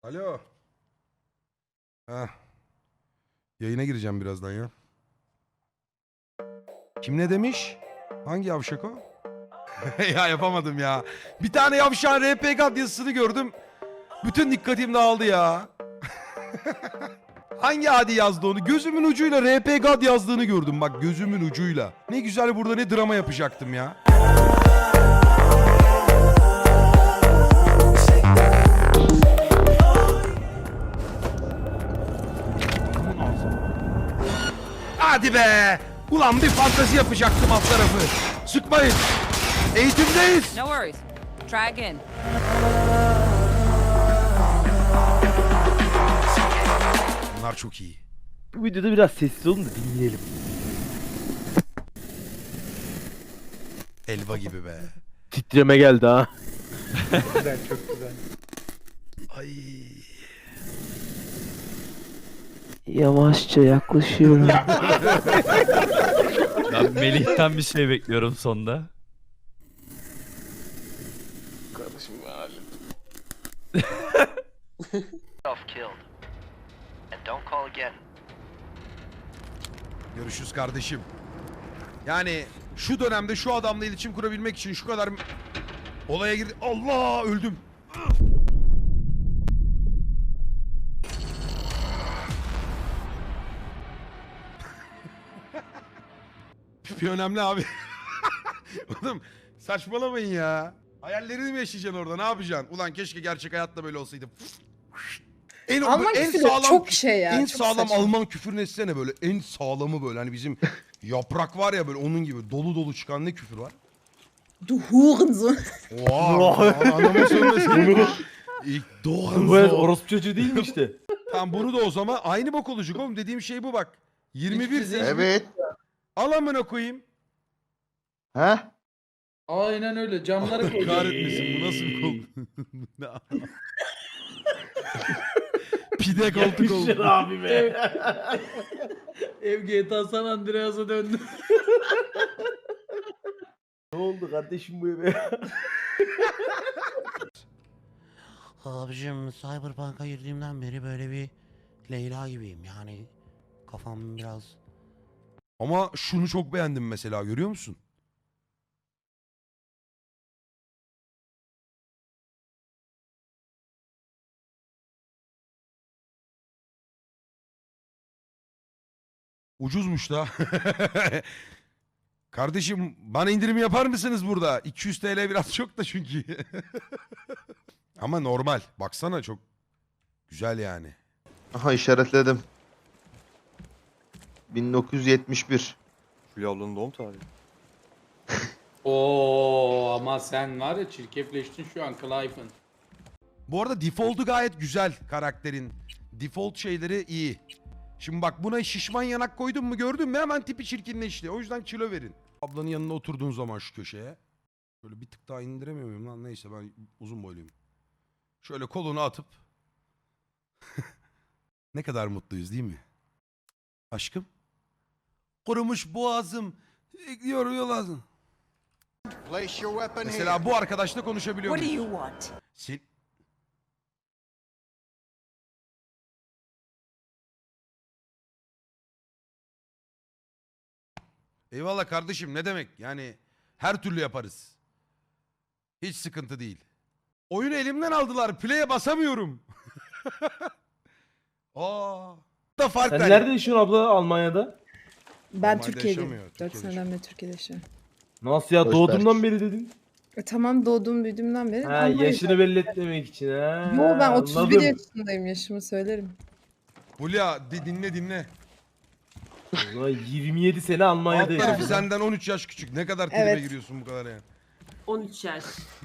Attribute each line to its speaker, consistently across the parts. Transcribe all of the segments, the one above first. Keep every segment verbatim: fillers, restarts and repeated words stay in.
Speaker 1: Alo. Ha. Yayına gireceğim birazdan ya. Kim ne demiş? Hangi yavşak o? Ya yapamadım ya. Bir tane yavşağın R P G yazısını gördüm. Bütün dikkatim dağıldı ya. Hangi adi yazdı onu? Gözümün ucuyla R P G yazdığını gördüm bak, gözümün ucuyla. Ne güzel burada ne drama yapacaktım ya. Hadi be! Ulan bir fantezi yapacaktım alt tarafı. Sıkmayın. Eğitimdeyiz.
Speaker 2: No worries. Try again.
Speaker 1: Bunlar çok iyi.
Speaker 3: Bu videoda biraz sessiz olun da dinleyelim.
Speaker 1: Elva gibi be.
Speaker 3: Titreme geldi ha.
Speaker 4: Güzel, çok güzel.
Speaker 1: Ay.
Speaker 3: Yavaşça yaklaşıyorum.
Speaker 5: Ben Melih'ten bir şey bekliyorum sonda.
Speaker 4: Kardeşim halim.
Speaker 6: Self-killed. And don't call again.
Speaker 1: Görüşürüz kardeşim. Yani şu dönemde şu adamla iletişim kurabilmek için şu kadar olaya girdi. Allah, öldüm. Pipi önemli abi. Oğlum saçmalamayın ya. Hayallerini mi yaşayacaksın orada, ne yapacaksın? Ulan keşke gerçek hayatta böyle olsaydı. En,
Speaker 7: Alman
Speaker 1: en
Speaker 7: küfürü çok şey ya,
Speaker 1: En
Speaker 7: çok
Speaker 1: sağlam
Speaker 7: saçma.
Speaker 1: Alman küfürünü etsene böyle. En sağlamı böyle. Hani bizim yaprak var ya böyle, onun gibi dolu dolu çıkan ne küfür var?
Speaker 7: Du Hurensohn.
Speaker 1: Oha! Anama söylemesin. İlk doğan
Speaker 3: Bu evet orospu çocuğu değil mi işte?
Speaker 1: Tamam, bunu da o zaman aynı bok olacak oğlum. Dediğim şey bu bak. yirmi bir zenci.
Speaker 4: Evet.
Speaker 1: Al amına koyayım.
Speaker 4: He?
Speaker 8: Aynen öyle. Camları koy.
Speaker 1: Kahretmesin, bu nasıl bir kol? Ne a- Pide koltuk oldu.
Speaker 3: abi be.
Speaker 8: Ev G T A San Andreas'a döndü.
Speaker 3: Ne oldu kardeşim bu eve?
Speaker 9: Abicim Cyberpunk'a girdiğimden beri böyle bir Leyla gibiyim yani kafam biraz...
Speaker 1: Ama şunu çok beğendim mesela, görüyor musun? Ucuzmuş da. Kardeşim bana indirim yapar mısınız burada? iki yüz T L biraz çok da çünkü. Ama normal. Baksana çok güzel yani.
Speaker 4: Aha işaretledim. bin dokuz yüz yetmiş bir.
Speaker 10: Fulya ablanın doğum tarihi.
Speaker 8: Oo ama sen var ya çirkefleştin şu an Clive'ın.
Speaker 1: Bu arada default'u gayet güzel karakterin. Default şeyleri iyi. Şimdi bak, buna şişman yanak koydun mu, gördün mü hemen tipi çirkinleşti. O yüzden kilo verin. Ablanın yanına oturduğun zaman şu köşeye. Şöyle bir tık daha indiremiyor muyum lan? Neyse, ben uzun boyluyum. Şöyle kolunu atıp. Ne kadar mutluyuz değil mi? Aşkım. Kurumuş boğazım. Yoruyor lazım. Mesela bu arkadaşla konuşabiliyor
Speaker 2: What do
Speaker 1: muyuz?
Speaker 2: you want?
Speaker 1: Sen... Eyvallah kardeşim, ne demek? Yani her türlü yaparız. Hiç sıkıntı değil. Oyunu elimden aldılar. Play'e basamıyorum. Aa. Da fark
Speaker 3: Sen
Speaker 1: var.
Speaker 3: nerede yaşıyorsun abla Almanya'da?
Speaker 7: Ben
Speaker 1: Normalde
Speaker 7: Türkiye'deyim.
Speaker 1: yaşamıyor,
Speaker 7: dört
Speaker 1: Türkiye'de
Speaker 7: seneden beri Türkiye'de yaşıyorum.
Speaker 3: Nasıl ya,
Speaker 4: Hoş
Speaker 3: doğduğumdan
Speaker 4: belki.
Speaker 3: beri dedin.
Speaker 7: E, tamam, doğduğum büyüdüğümden beri.
Speaker 3: Ha,
Speaker 7: Almanya'da.
Speaker 3: yaşını belli etmemek için ha.
Speaker 7: Yo, ben otuz bir
Speaker 3: anladım.
Speaker 7: yaşındayım, yaşımı söylerim.
Speaker 1: Hulya di- dinle dinle.
Speaker 3: O zaman yirmi yedi sene
Speaker 1: Alt
Speaker 3: Almanya'da
Speaker 1: tarafı
Speaker 3: yaşadın.
Speaker 1: senden on üç yaş küçük. Ne kadar tribe
Speaker 7: Evet.
Speaker 1: giriyorsun bu kadar yani.
Speaker 2: on üç yaş.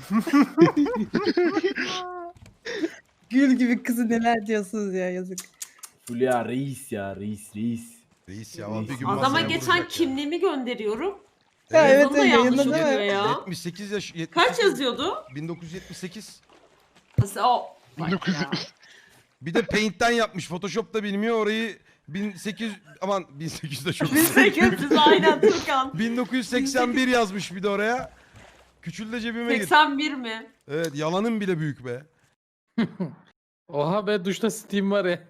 Speaker 7: Gül gibi kızı neler diyorsunuz ya, yazık.
Speaker 3: Fulya reis ya, reis reis.
Speaker 1: Reis ya, bir gün
Speaker 2: Adama
Speaker 1: masaya
Speaker 2: geçen
Speaker 1: vuracak ya.
Speaker 2: kimliğimi gönderiyorum.
Speaker 7: Ya evet,
Speaker 2: Yazılı da
Speaker 7: evet,
Speaker 2: yanlış
Speaker 7: yayınladı,
Speaker 2: oluyor
Speaker 7: evet.
Speaker 2: ya.
Speaker 1: yetmiş sekiz yaş. yetmiş
Speaker 2: Kaç
Speaker 1: sekiz
Speaker 2: yazıyordu?
Speaker 1: bin dokuz yüz yetmiş sekiz.
Speaker 2: Nasıl o? Bak ya.
Speaker 1: Bir de Paint'ten yapmış. Photoshop'ta bilmiyor orayı. bin sekiz yüz aman bin sekiz yüz de çok.
Speaker 2: bin sekiz yüz aynen Türkan.
Speaker 1: bin dokuz yüz seksen bir yazmış bir de oraya. Küçül de cebime gir.
Speaker 2: seksen bir mi?
Speaker 1: Evet, yalanın bile büyük be.
Speaker 8: Oha be duşta Steam var ya.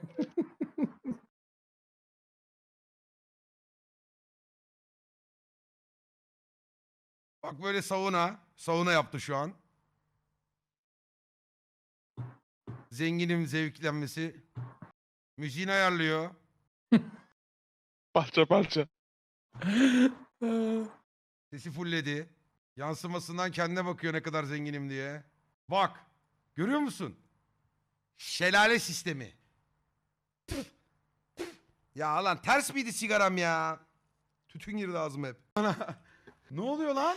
Speaker 1: Bak böyle sauna. Sauna yaptı şu an. Zenginim zevklenmesi. Müziğini ayarlıyor.
Speaker 10: Parça parça.
Speaker 1: Sesi fullledi. Yansımasından kendine bakıyor ne kadar zenginim diye. Bak. Görüyor musun? Şelale sistemi. Ya lan ters miydi sigaram ya? Tütün girdi ağzıma hep. Ana. Ne oluyor lan?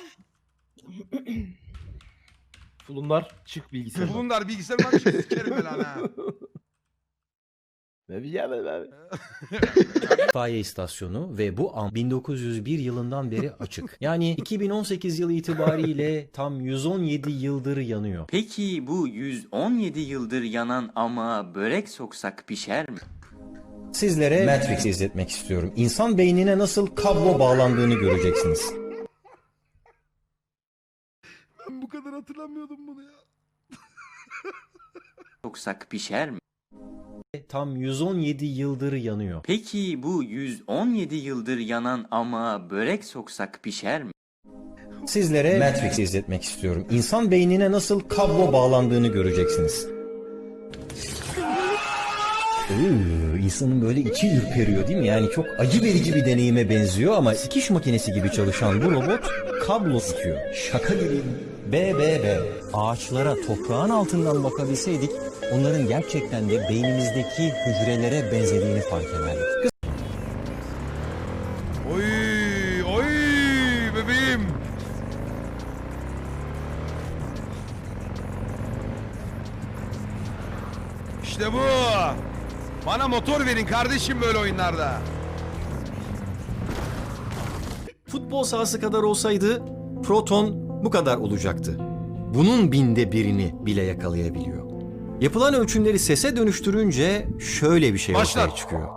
Speaker 3: Fulunlar çık bilgisayar.
Speaker 1: Bulundar bilgisayarından bir şey sikerim ben lan ha.
Speaker 3: Ne bileyim ben abi.
Speaker 11: İtfaiye istasyonu ve bu an bin dokuz yüz bir yılından beri açık. Yani iki bin on sekiz yılı itibariyle tam yüz on yedi yıldır yanıyor.
Speaker 6: Peki bu yüz on yedi yıldır yanan ama börek soksak pişer mi?
Speaker 11: Sizlere Matrix izletmek istiyorum. İnsan beynine nasıl kablo bağlandığını göreceksiniz.
Speaker 1: Ben bu kadar hatırlamıyordum bunu ya.
Speaker 6: Soksak pişer mi?
Speaker 11: Tam yüz on yedi yıldır yanıyor.
Speaker 6: Peki bu yüz on yedi yıldır yanan ama börek soksak pişer mi?
Speaker 11: Sizlere Matrix izletmek istiyorum. İnsan beynine nasıl kablo bağlandığını göreceksiniz. Iıı, insanın böyle içi ürperiyor değil mi? Yani çok acı verici bir deneyime benziyor ama dikiş makinesi gibi çalışan bu robot kablo tutuyor. Şaka gibi. B B B. Ağaçlara toprağın altından bakabilseydik onların gerçekten de beynimizdeki hücrelere benzediğini fark ederdik.
Speaker 1: Oy oy bebeğim. İşte bu. Bana motor verin kardeşim böyle oyunlarda.
Speaker 11: Futbol sahası kadar olsaydı proton bu kadar olacaktı. Bunun binde birini bile yakalayabiliyor. Yapılan ölçümleri sese dönüştürünce şöyle bir şey
Speaker 1: Başlar.
Speaker 11: ortaya çıkıyor.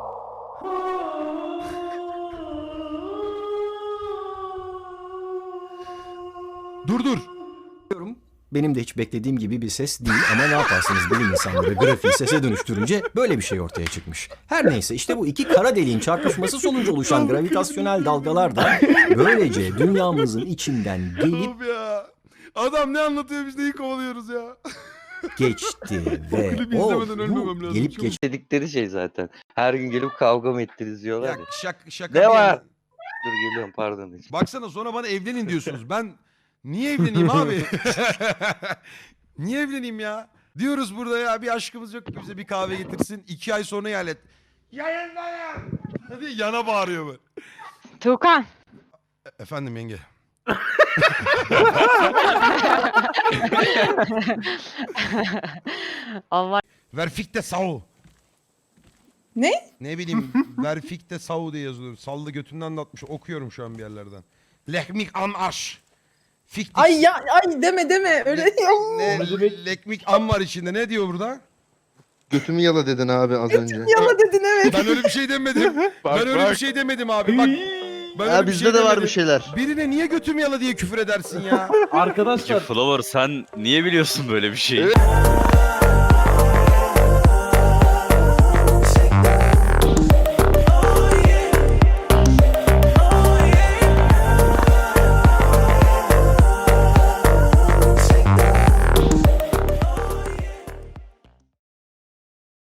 Speaker 1: Dur dur.
Speaker 11: Benim de hiç beklediğim gibi bir ses değil ama ne yaparsınız bilim insanları grafiği sese dönüştürünce böyle bir şey ortaya çıkmış. Her neyse işte bu iki kara deliğin çarpışması sonucu oluşan gravitasyonel dalgalar da böylece dünyamızın içinden gelip
Speaker 1: Oğlum ya. Adam ne anlatıyor biz neyi kovalıyoruz ya.
Speaker 11: geçti ve
Speaker 1: Klibi
Speaker 11: o
Speaker 1: izlemeden ölmemem
Speaker 11: bu
Speaker 1: lazım.
Speaker 11: gelip
Speaker 1: Çabuk.
Speaker 11: geç
Speaker 10: Dedikleri şey zaten. Her gün gelip kavga mı ettiniz diyorlar
Speaker 1: Ya
Speaker 10: ya.
Speaker 1: şak, şaka
Speaker 10: Ne
Speaker 1: bir
Speaker 10: var?
Speaker 1: yana.
Speaker 10: Dur geliyorum pardon. hiç.
Speaker 1: Baksana sonra bana evlenin diyorsunuz. Ben niye evleneyim abi? Niye evleneyim ya? Diyoruz burada ya bir aşkımız yok ki bize bir kahve getirsin. iki ay sonra ihalet. Yayınla ya. Hadi yana bağırıyor böyle.
Speaker 7: Tuğkan.
Speaker 1: E- Efendim yenge.
Speaker 7: Allah.
Speaker 1: Verfikte Sau.
Speaker 7: Ne?
Speaker 1: Ne bileyim Verfikte Sau diye yazılıyor. Sallı götünden de atmış. Okuyorum şu an bir yerlerden. Lehmik am aş. Fiktik.
Speaker 7: Ay ya ay deme deme öyle yok.
Speaker 1: Ne,
Speaker 3: O ne demek?
Speaker 1: lekmik am var içinde. Ne diyor burada?
Speaker 4: Götümü yala dedin abi az önce.
Speaker 7: Yala dedin evet.
Speaker 1: Ben öyle bir şey demedim. ben öyle bir şey demedim abi. Bak. Ben öyle
Speaker 4: Ya
Speaker 1: bir
Speaker 4: bizde
Speaker 1: şey
Speaker 4: de var
Speaker 1: demedim.
Speaker 4: bir şeyler.
Speaker 1: Birine niye götümü yala diye küfür edersin ya?
Speaker 3: Arkadaşlar
Speaker 5: Flower sen niye biliyorsun böyle bir şeyi?